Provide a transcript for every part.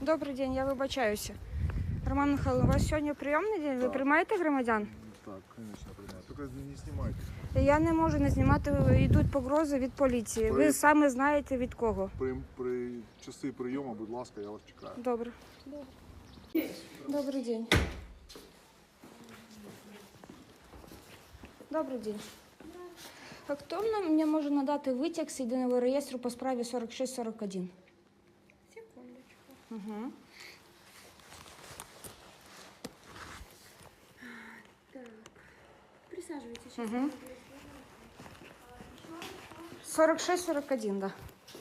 Добрий день, я вибачаюся. Роман Михайлович, у вас сьогодні прийомний день? Ви приймаєте громадян? Так, конечно, приймаю. Тільки не знімайте. Я не можу не знімати, йдуть погрози від поліції. Ви саме знаєте від кого. При часи прийому, будь ласка, я вас чекаю. Добре. Добрий день. Добрий день. А хто мені може надати витяг з єдиного реєстру по справі 4641? Секундочку. Угу. Так. Присаживайтесь. Сейчас. Угу. 4641, да.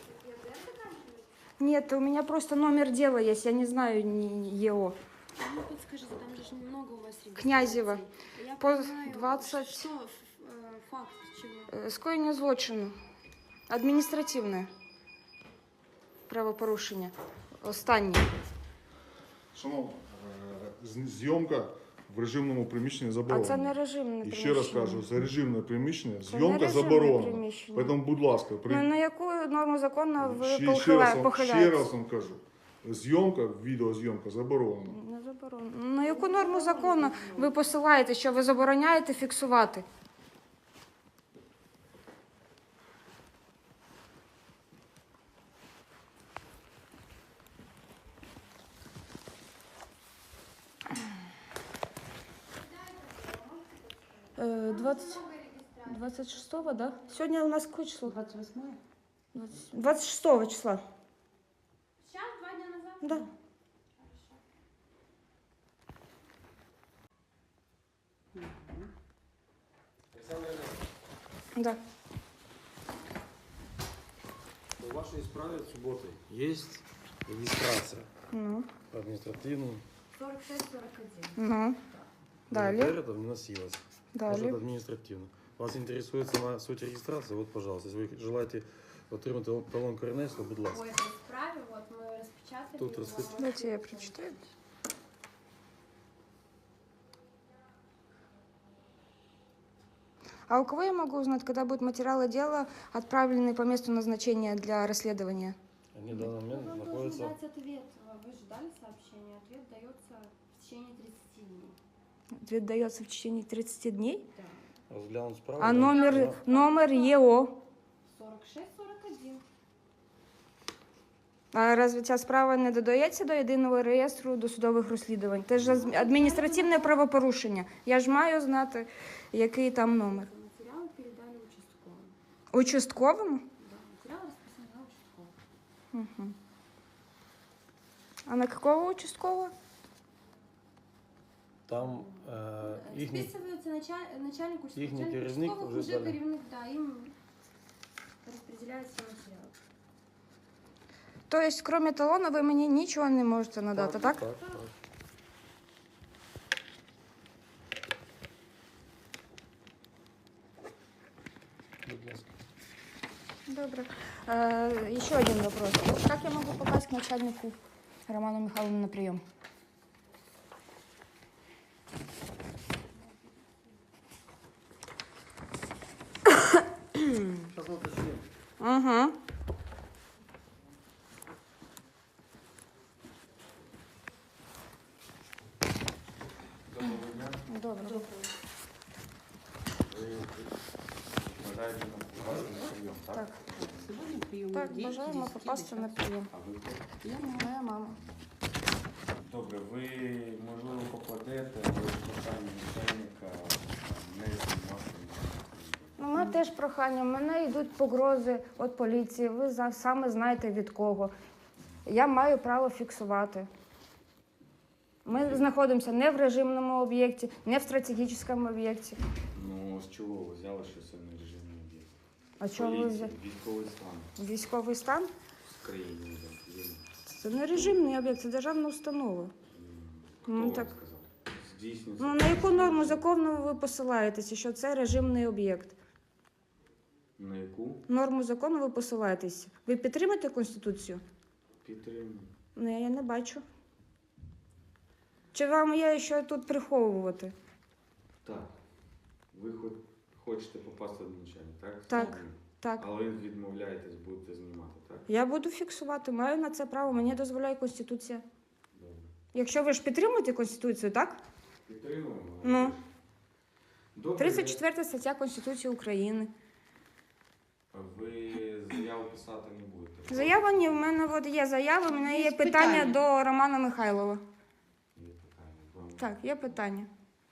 Нет, у меня просто номер дела есть, я не знаю ЕО. Ну, подскажите, там же много у вас регистраций. Князева. Я По понимаю, 20... Что факт чего? Скоєння злочину. Адміністративне правопорушення. Останнє. Шановна, зйомка в режимному приміщенні А заборонена. це не режимне І приміщення. ще раз кажу, це режимне приміщення, Це зйомка не режимне заборонена. приміщення. Тому, будь ласка, Ну, на яку норму закону ви ще похиляєтесь? раз вам кажу, зйомка, відеозйомка заборонена. Не заборонено. На яку норму закону ви посилаєте, що ви забороняєте фіксувати? Е, 26-го, да? Сьогодні у нас какое число? 28-е? 26 числа. Сейчас, 2 дня назад? Да. Да. В вашей справе субботой есть регистрация Ну. административную. 46-41. Ну. Далее. Это вносилось. Может, Далее. административно. Вас интересует сама суть регистрации? Вот, пожалуйста, если вы желаете отримати талон КРНС, то будь По ласка. этой справе вот мы распечатали. Тут его. распечатали. Дайте я прочитаю. А у кого я могу узнать, когда будут материалы дела отправлены по месту назначения для расследования? Они в данный Ну, момент вам должен находятся... дать ответ. Вы ждали сообщения. Ответ дается в течение 30 дней. Ответ дается в течение 30 дней. Да. Разглянуть справу. А да? номер ЕО? 46-41. А разве ця справа не додається до єдиного реєстру досудових розслідувань? Це ж адміністративне правопорушення. Я ж маю знати, який там номер. Материалы передали участковым. Участковому? Да, материалы распространены участковым. Угу. А на какого участкового? Там їхні... Списывается начальник участкового. Їхній керівник Участковых вже далі. керівник, да, им распределяется материал. То есть, кроме талона, ви мені нічого не можете надати, так? Так. Будь ласка. Добре. Еще один вопрос. Как я могу попасть к начальнику Роману Михайловну на прием? Сейчас уточним. Угу. Доброго дня. Добре. Ви бажаєте нам попасти на прийом, так? Так. Сьогодні прийом Так, дій, бажаємо дійсно, попасти на прийом. А ви хто? Я Моя мама. Добре, ви, можливо, покладете, але прохання начальника не знімати. Ну, ми теж прохання. В мене йдуть погрози від поліції. Ви саме знаєте від кого. Я маю право фіксувати. Ми знаходимося не в режимному об'єкті, не в стратегічному об'єкті. Ну, з чого ви взяли, що це не режимний об'єкт? А чого ви Поліція, взяли? військовий стан Військовий стан? в країні. Є. Це не режимний об'єкт, це державна установа. Хто Ну, вам так. сказав? Здійснюється. Ну, на яку норму закону ви посилаєтеся, що це режимний об'єкт? На яку? Норму закону ви посилаєтеся. Ви підтримуєте Конституцію? Підтримую. Ну, я не бачу. Чи вам є що тут приховувати? Так. Ви хочете попасти до начальника, так? Так. Правильно? Так. Але відмовляєтесь, будете знімати, так? Я буду фіксувати, маю на це право, мені дозволяє Конституція. Добре. Якщо ви ж підтримуєте Конституцію, так? Підтримуємо. Ну. Добре. 34 стаття Конституції України. Ви заяву писати не будете? Заява ні, в мене от є заява, в мене є питання до Романа Михайлова. Є питання. Вам Так, є питання.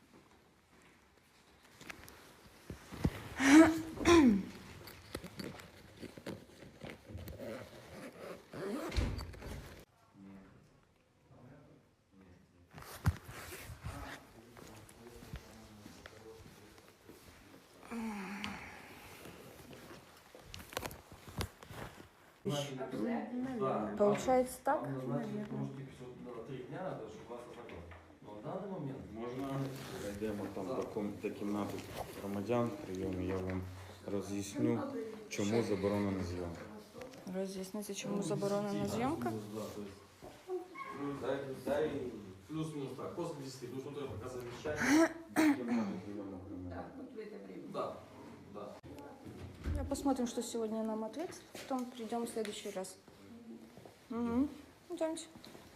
Получается так? Может, типа, 3 дня надо, чтобы вас ознакомить. Но в данный момент можна зайдемо там Да. до кімнати громадян прийому, я вам роз'ясню, чому заборонена зйомка. Роз'яснити, чому заборонена зйомка? Да, то есть, дай плюс-минус так, после 10, потому что он только пока завещание. Кімнати прийому громадян. Да, да. Я посмотрим, что сегодня нам ответит, потом придем в следующий раз. Угу. Идемте.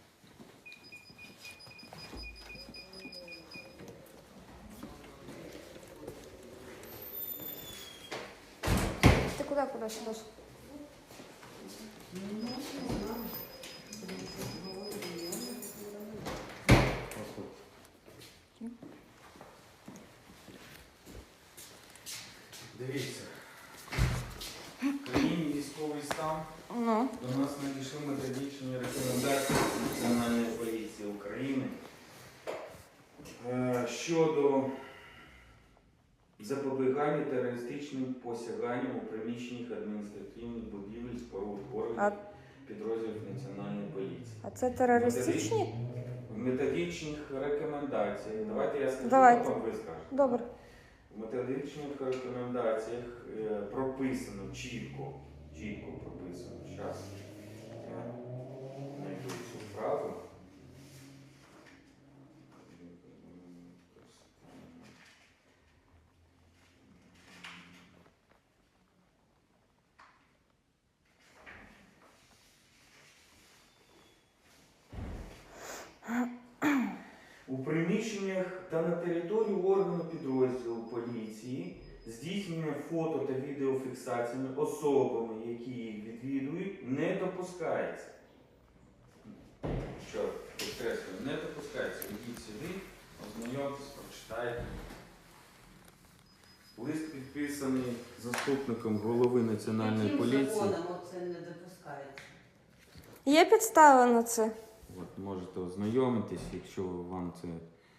Ты куда сюда? Дивіться, в країні військовий стан. Ну, До нас надійшли методичні рекомендації Національної поліції України щодо запобігання терористичним посяганням у приміщеннях адміністративних будівель споруд органів підрозділів Національної поліції. а це терористичні? В методичних рекомендаціях, давайте я скажу, Давайте. потім ви скажете. Добре. В методичних рекомендаціях прописано чітко прописано. Зараз я знайду цю фразу. У приміщеннях та на території органу підрозділу поліції здійснення фото та відеофіксаціями особами, які їх відвідують, не допускається. Що, підкреслюю, не допускається. Ідіть сюди, ознайомтесь, прочитайте. Лист підписаний заступником голови Національної поліції. Яким законом це не допускається? Є підстава на це? От, можете ознайомитись, якщо вам це.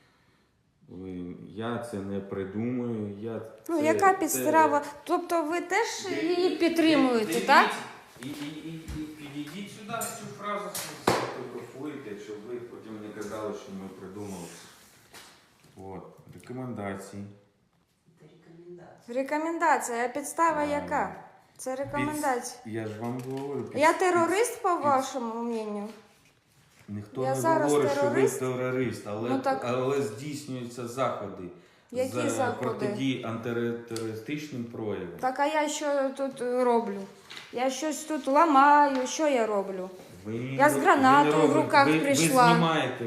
Я це не придумую. Ну, яка підстава? Тобто ви теж її підтримуєте, так? І підійдіть сюди, цю фразу сфотографуєте, щоб ви потім не казали, що ми придумали. От, рекомендації. Це рекомендація. Рекомендація, а підстава яка? Це рекомендація. Я ж вам говорю. Я терорист, по вашому мненню? Ніхто Я не зараз говорить, терорист? що ви терорист, але, Ну, так- але здійснюються заходи. Які з заходи? протидії антитерористичним проявам. Так, а я що тут роблю? Я щось тут ламаю, що я роблю? Ви Я з не гранатою в робите. руках ви прийшла. Ви знімаєте,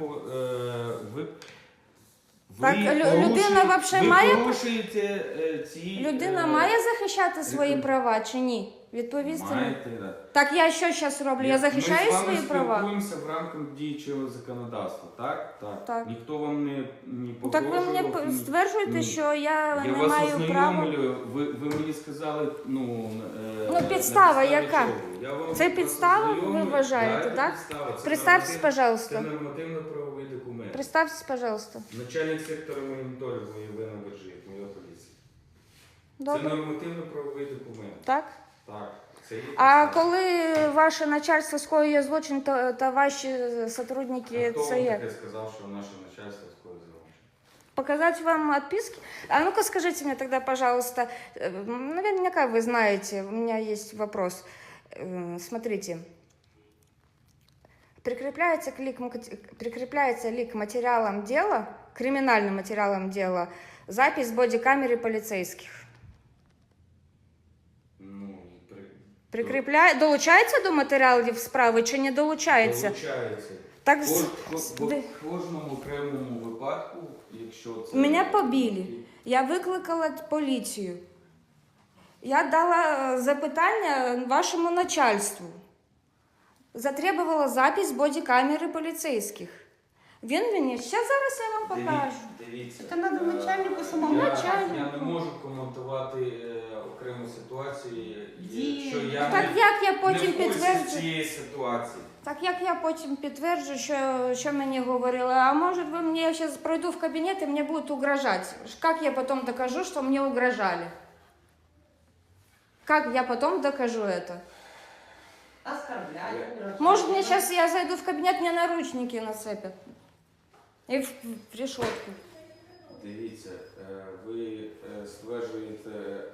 Так, людина вообще ви має- порушуєте ці... Людина має захищати свої реком- права чи ні? Відповісти мені. Маєте, да. Так я що зараз роблю? Я захищаю свої Ми з права? вами спілкуємося в рамках діючого законодавства, так? Так. Так. Ніхто вам не Ну, так ви мені погрожував, стверджуєте, ні. що я не вас маю права. ознайомлюю, ви мені сказали, Ну, підстава на підставі яка? чого? Я вам Це просто підстава, ви ознайомлюю. вважаєте, Да, так? це підстава. Це Представьтесь, норматив- пожалуйста. Це нормативно-правовий документ. Представьтесь, пожалуйста. Начальник сектора моніторингу Євгена Бержик, моя поліція. Це Добре. нормативно-правовий документ. Так? Так. Це є А підстава. коли ваше начальство скоює злочин, та ваші сотрудники, Хто це вам як? таке сказав, що наше начальство скоїть злочин? Показать вам отписки? А ну-ка скажите мне тогда, пожалуйста, наверняка вы знаете, у меня есть вопрос. Смотрите, прикрепляется ли к материалам дела, криминальным материалам дела, запись бодикамеры полицейских? Прикріпляє, долучається до матеріалів справи чи не долучається? Долучається. Так, В кожному окремому випадку, якщо це... Мене побили. Я викликала поліцію. Я дала запитання вашому начальству. Затребувала запис з бодікамери поліцейських. Він мені, ще зараз я вам покажу. Дивіться. Це треба начальнику самому. Я не можу коментувати окрему ситуацію, якщо я Так як я потім не в курсі підтверджу, цієї ситуації. так як я потім підтверджу, що мені говорили, а може ви мені, я зараз пройду в кабінет і мені будуть угрожати. Як я потім докажу, що мені угрожали? Как я потом докажу это? Оскорбляют. Может, мне сейчас я зайду в кабинет, мне наручники нацепят. И в решетку. Дивіться, ви стверджуєте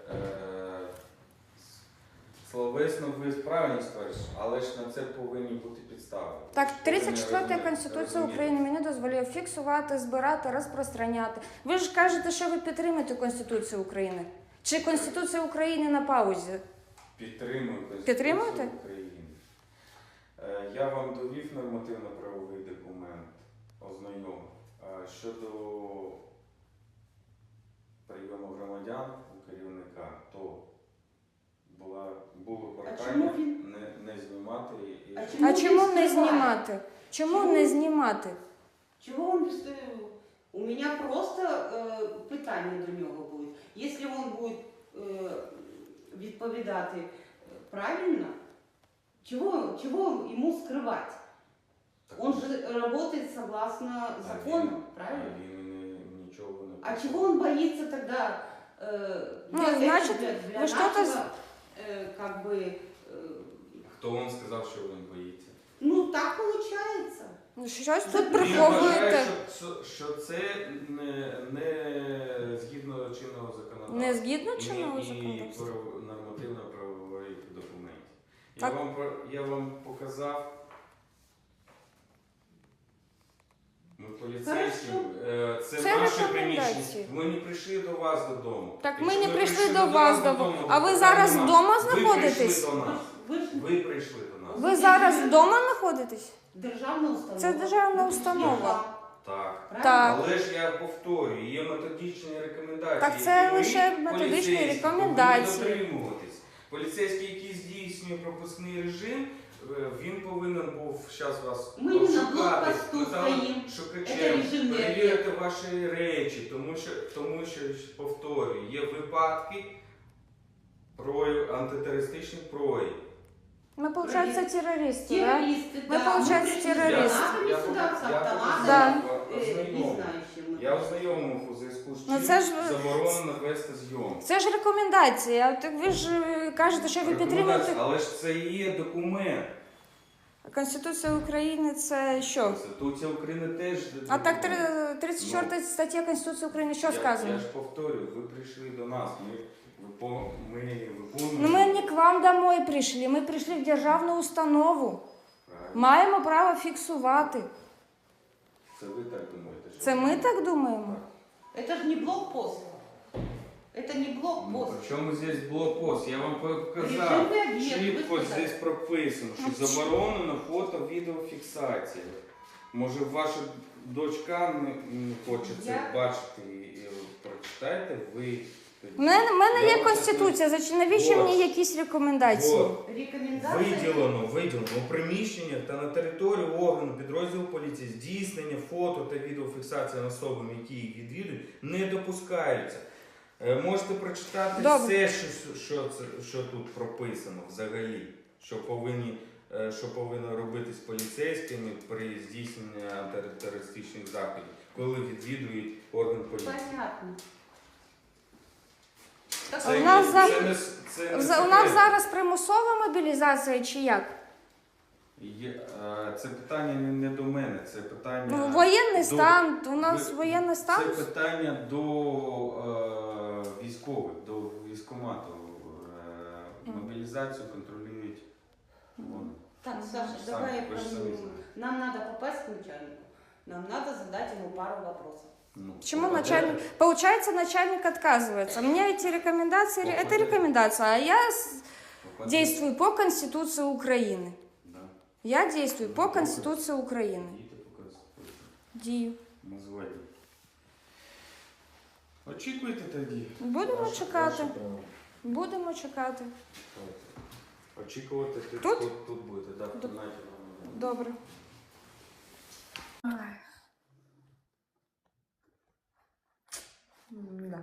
словесно, ви правильно стверджуєте, але ж на це повинні бути підстави. Так, Ви не 34 розумієте. Конституція України мені дозволяє фіксувати, збирати, розпространяти. Ви ж кажете, що ви підтримуєте Конституцію України. Чи Конституція України на паузі? Підтримую Конституцію Підтримуєте? України. Я вам довів нормативно-правовий документ, ознайомив. Щодо прийому громадян у керівника, то було прохання чому він- не знімати. А чому не знімати? Чому не знімати? Чего он беспокоил? У меня просто питання до нього буде. Якщо він буде відповідати правильно, чего йому скрывать? Он же работает согласно закону, правильно? Він нічого не А чего он боится тогда? Ну, значит, для вы что-то нашего, как бы, Хто вам сказав, що він боїться? ну так получается. Ну, щось тут Він приховуєте. вважає, що це не згідно чинного законодавства. Не згідно І чинного законодавства. нормативно-правових документів. Так. Я вам показав. Ми поліцейські, це Це наше рекомендації. приміщення. Ми не прийшли до вас додому. Так ми Якщо не прийшли до вас додому. А ви то зараз питань вдома нема. знаходитесь? Ви прийшли до нас. Ви ж Ви прийшли до нас. Ви зараз вдома знаходитесь? державна установа. Це державна установа. Так. Правильно? Так. Але ж я повторюю, є методичні рекомендації. Так це які ви, лише методичні поліцейські, рекомендації. повинні дотримуватись. Поліцейський, який здійснює пропускний режим, він повинен був зараз вас Ми не на обшукати, блокпосту стоїм. Це шукачем, режим перевірити ваші речі, тому що, повторюю, є випадки антитерористичних проявів. Ми, виходить, терористи, да? Террористы, Мы, да. получается, пришли с террористы. гранатами сюда, с автоматами, Да. не знаю, с чем мы. Я ознайомив у зв'язку з Ну, чим це ж- заборонено вести зйомку. Це ж рекомендації. А так ви ж кажете, що ви підтримуєте Але ж це і є документ. Конституція України. Це що? Конституція України теж. А так документ. 34 стаття Конституції України що Я сказано? ж повторюю, ви прийшли до нас, ми виконуємо. Ну, ми не к вам домой прийшли, ми прийшли в державну установу. Правильно. Маємо право фіксувати. Це ви так думаєте? що Це ви- ми так думаємо? Это же не блокпост. Это не Ну, блокпост. при чому здесь блокпост? Я вам показав. Режимний об'єкт, Чітко ви сказали. здесь прописано, що заборонено фото, відеофіксація. Може, ваша дочка не хоче це Я- бачити і прочитайте ви. У мене Я є вам Конституція, навіщо Вот. мені якісь рекомендації? Вот. Рекомендация. Виділено у приміщеннях та на території органу підрозділу поліції здійснення фото та відеофіксація особами, які їх відвідують, не допускаються. Можете прочитати Добре. все, що тут прописано взагалі, що повинно робитись поліцейськими при здійсненні антитерористичних заходів, коли відвідують орган поліції. Понятно. Так, А у нас не У секрет. нас зараз примусова мобілізація чи як? Це питання не до мене, це питання. Ну, воєнний до- стан, у нас ви- воєнний стан. Це питання до військових, до військкомату. Мобілізацію контролюють вони. Так, Саша, Сами, давай вы же сами знаете. нам надо попасть к начальнику. Нам надо задать ему пару вопросов. Ну, Почему попадете. начальник? Получается, начальник отказывается. Мне эти рекомендации, это Попадете. рекомендация, а я Действую по Конституции Украины. Да. Я действую по Конституции Украины. Дійте по Конституції. Дію. Ми згодні. Очікуйте тоді. Будемо Ваше- чекати. ваше право. Будемо чекати. Очікувати Тут? Тут будете, так, в кімнаті. Добре. Да.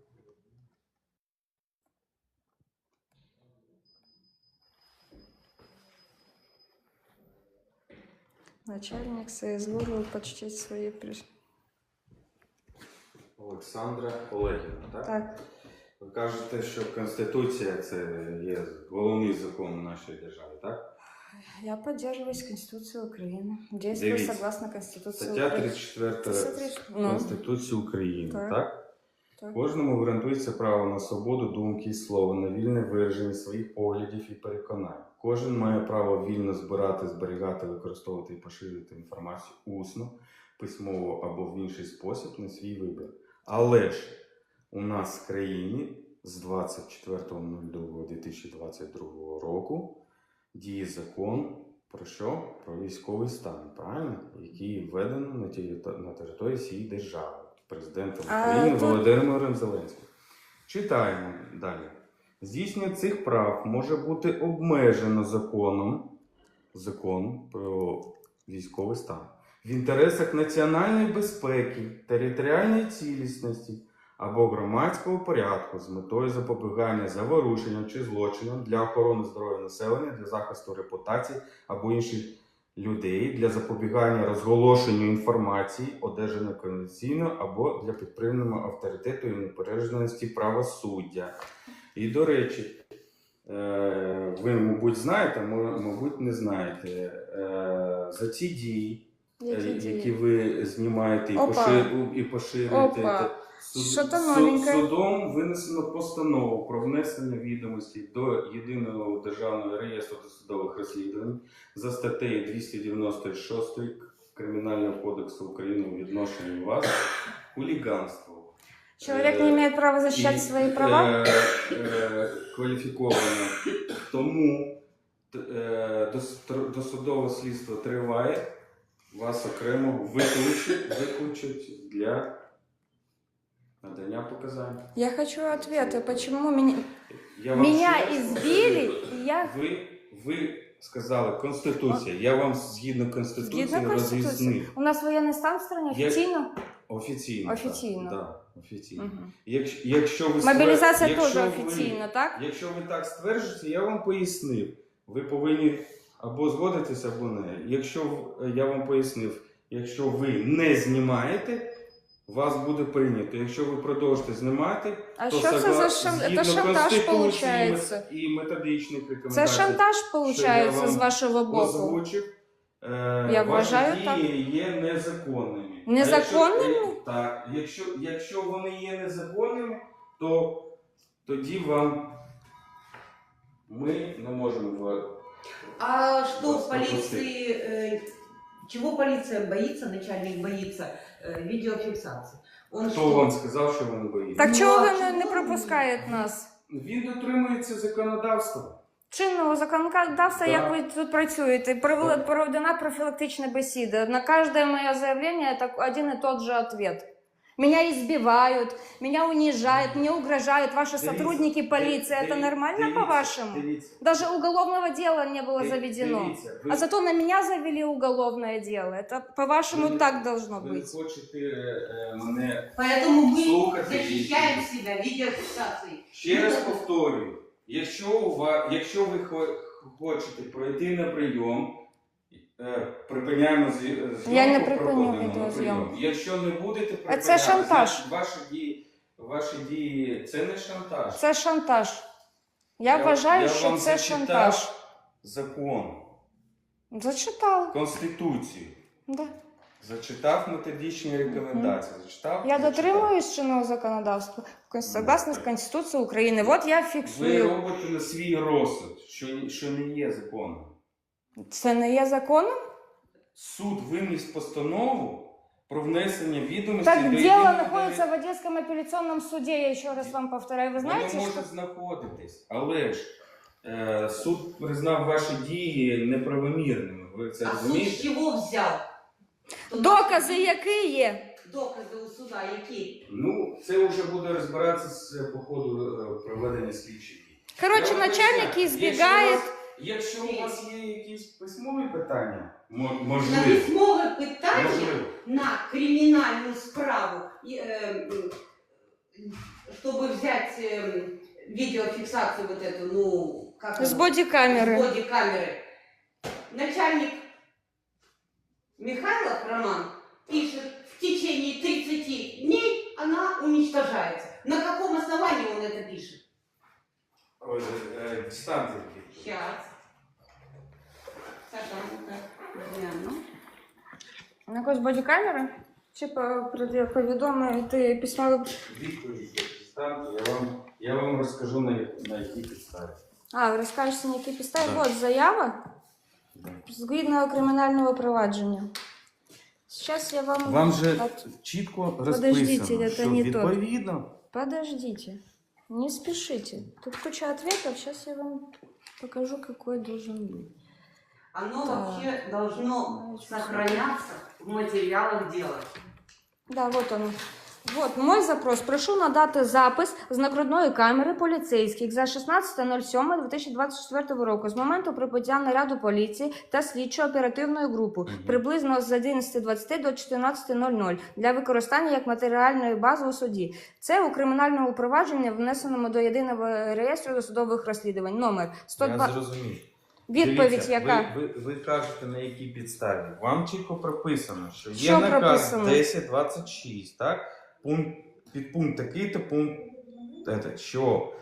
Начальник соизволил почтить свои приш... Олександра Олегівна, так? Так, Ви кажете, що Конституція це є головний закон в нашій державі, так? я поддерживаюсь Конституцией Украины. Действую Дивіться. согласно Конституции Стаття Украины. 34 Ну. Конституції України, Так. так? Так. Кожному гарантується право на свободу думки і слова, на вільне вираження своїх поглядів і переконань. Кожен має право вільно збирати, зберігати, використовувати і поширювати інформацію усно, письмово або в інший спосіб на свій вибір. Але ж у нас в країні з 24.02.2022 року діє закон про що? Про військовий стан, правильно? Який введено на території всієї держави. Президентом України тут- Володимиром Зеленським. Читаємо далі. Здійснення цих прав може бути обмежено законом про військовий стан в інтересах національної безпеки, територіальної цілісності або громадського порядку з метою запобігання заворушенням чи злочинам для охорони здоров'я населення, для захисту репутації або інших людей, для запобігання розголошенню інформації, одержаної конвенційно або для підтримання авторитету і непереможності правосуддя. І, до речі, ви, мабуть, знаєте, мабуть, не знаєте, за ці дії, які ви знімаєте Опа. і поширюєте, Опа. Що-то новеньке. судом винесено постанову про внесення відомостей до Єдиного державного реєстру досудових розслідувань за статтею 296 Кримінального кодексу України у відношенні вас хуліганство. Человек не имеет права защищать свои права? Кваліфіковано. Тому досудове слідство триває, вас окремо виключать для надання показань. Я хочу ответа, почему меня, Я вам меня ще раз избили, повторюю. и я... Ви сказали Конституція. Я вам згідно Конституції Згідно Конституції. роз'яснив. У нас воєнний стан в стране Я- официально? Офіційно. Офіційно. Так, офіційно. Мгм. Якщо ви Мобілізація якщо теж ви- офіційно, так? Якщо ви так стверджуєте, я вам пояснив. Ви повинні або згодитися, або не. Я вам пояснив, якщо ви не знімаєте, вас буде прийнято. Якщо ви продовжите знімати, А то що це за згідно це шантаж Конституції получається? і методичних Це рекомендацій, шантаж що получається я з вам вашого боку. озвучив, Я ваші вважаю дії є незаконними. Незаконними? Так. Якщо вони є незаконними, то тоді ми не можемо. А что Вас в полиции, чего полиция боится, начальник боится видеофиксации? Он Хто что? вам сказав, що вони боїться? Так Ну, чого а ви чому не ви? пропускаєте нас? Він дотримується законодавства. Чинного законодавства, Так. як ви тут працюєте, проведена профілактична бесіда. На кожне моє заявление это один и тот же ответ. Меня избивают, меня унижают, мне угрожают ваши Дивіться, сотрудники полиции. Это нормально по-вашему? Дивіться. Даже уголовного дела не было заведено. Дивіться, А зато на меня завели уголовное дело. Это, по-вашему, Вы- так должно ви быть. хочете мене Поэтому мы Слушайте, защищаем видите. себя видеофиксацией. ще раз повторюю. Якщо ви хочете пройти на прийом, припиняємо зйомку, Я не припиню проходимо на відеозйомку. прийом. Якщо не будете припиняти, Це шантаж. значить, ваші дії це не шантаж. Це шантаж. Я вважаю, що вам це зачитав шантаж. Закон, Зачитала. Конституцію. Да. Зачитав методичні рекомендації. Зачитав, Я зачитав. дотримуюсь чинного законодавства согласно Конституции Украины. Вот я Ви фіксую. робите на свій розсуд, що не є законом. Це не є законом? Суд виніс постанову про внесення відомостей Так до дело єдиного находится в Одесском апелляционном суде, я еще раз вам повторяю. Вы знаете, Воно что... може знаходитись, але ж Суд признав ваші дії неправомірними. Ви це А суд розумієте? з чого взяв? Докази які є? Докази у суда які? Ну, це вже буде розбиратися по ходу проведення слідчих дій. Коротше, Я вам начальник поясняю, избегает. Якщо у вас є якісь письмові питання, На можливо. письмове питання Можливо. на криминальную справу, чтобы взять видеофиксацию вот эту, ну, как С она? бодикамеры. С бодикамеры. Начальник Михайлов Роман пишет, в течение 30 дней она уничтожается. На каком основании он это пишет? Дистанція. Сейчас. Саша, ну-ка, гляну. На якось бодікамери? Чи повідомити письмове? Відповідь дистанцію. Я вам розкажу на якій підставі. А, ви розкажете, на якій підставі? Да. От заява Да. згідно кримінального провадження. Зараз я вам... Вам же От- чітко Подождите, розписано, это що не тот. відповідно. Подождите, не спешите. Тут куча ответов, сейчас я вам покажу, какой должен быть. Оно Так. вообще должно Значит, сохраняться в материалах дела. Да, вот он. Вот мой запрос. Прошу надати запис з нагрудної камери поліцейських за 16.07.2024 року з моменту прибуття наряду поліції та слідчо-оперативної групи приблизно з 11.20 до 14.00 для використання як матеріальної бази у суді. Це у кримінальному провадженні, внесеному до єдиного реєстру досудових розслідувань. Номер 102. Я зрозумів. Відповідь Дивіться, яка? Ви кажете, на якій підставі. Вам чітко прописано, що є Що наказ прописано? 1026, так? Підпункт такий-то пункт, що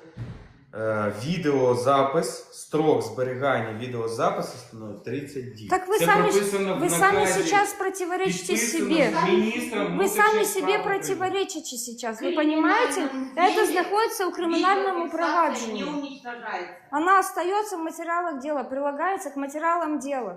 відеозапис, строк зберігання відеозапису становить 30 днів. Так ви Це самі, прописано в вы сами наказі, сейчас противоречите підписано себе. міністром Вы внутрішніх сами справ себе України. противоречите сейчас. Вы понимаете? Это знаходится у криминальном Не проваджении. уничтожается. Она остается в материалах дела, прилагается к материалам дела.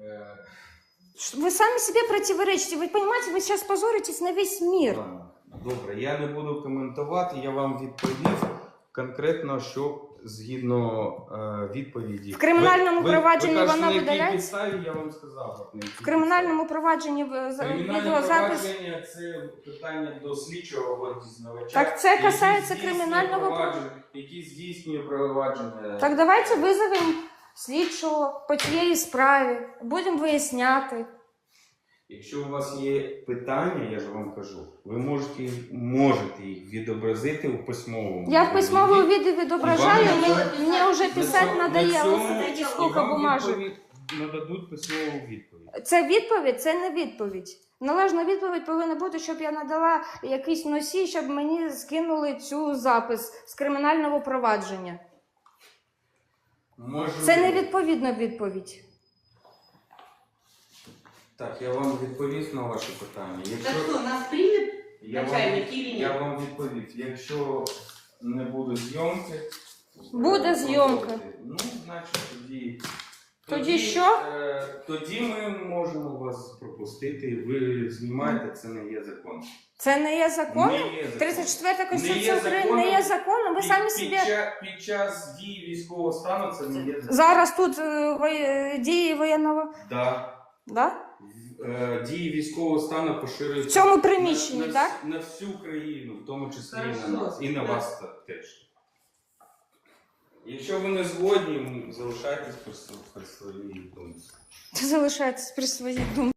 Вы сами себе противоречите. Вы понимаете, вы сейчас позоритесь на весь мир. Ладно, добре, я не буду коментувати, я вам відповів конкретно, що згідно відповіді. В кримінальному провадженні ви кажете, воно на якій видаляється? підставі, я вам сказав. На якій В криминальному провадженні Кримінальне відеозапис. провадження – це питання до слідчого або дізнавача. Так це який касається здійснює кримінального провадження, який здійснює провадження. Так давайте визовемо слідчого по тієї справі. Будемо виясняти. Якщо у вас є питання, я ж вам кажу, ви можете їх відобразити у письмовому. Я в письмовому віді. відео відображаю, І вам мені вже писати на надоело. цьому- Смотрите, і сколько вам бумажок. нададуть письмову відповідь. Це відповідь, це не відповідь. Належна відповідь повинна бути, щоб я надала якийсь носій, щоб мені скинули цю запис з кримінального провадження. Це не відповідна відповідь. Так, я вам відповів на ваше питання. Так что, нас примет я начальник или я нет? вам відповів. Якщо не буде зйомки, Буде зйомка. Ну, значить тоді. Тоді що? Тоді ми можемо вас пропустити. Ви знімаєте, це не є закон. Це не є законом? Не є закон. 34 Не Конституція є України законом. не є законом. Ви самі собі... Під час дії військового стану це не є закон. Зараз тут дії воєнного... Да. Да? Дії військового стану В поширюються цьому приміщенні, так? на всю країну, в тому числі і Хорошо. на нас. І на вас теж. Якщо ви не згодні, залишайтесь при своїй думці. Залишайтесь при своїй думці.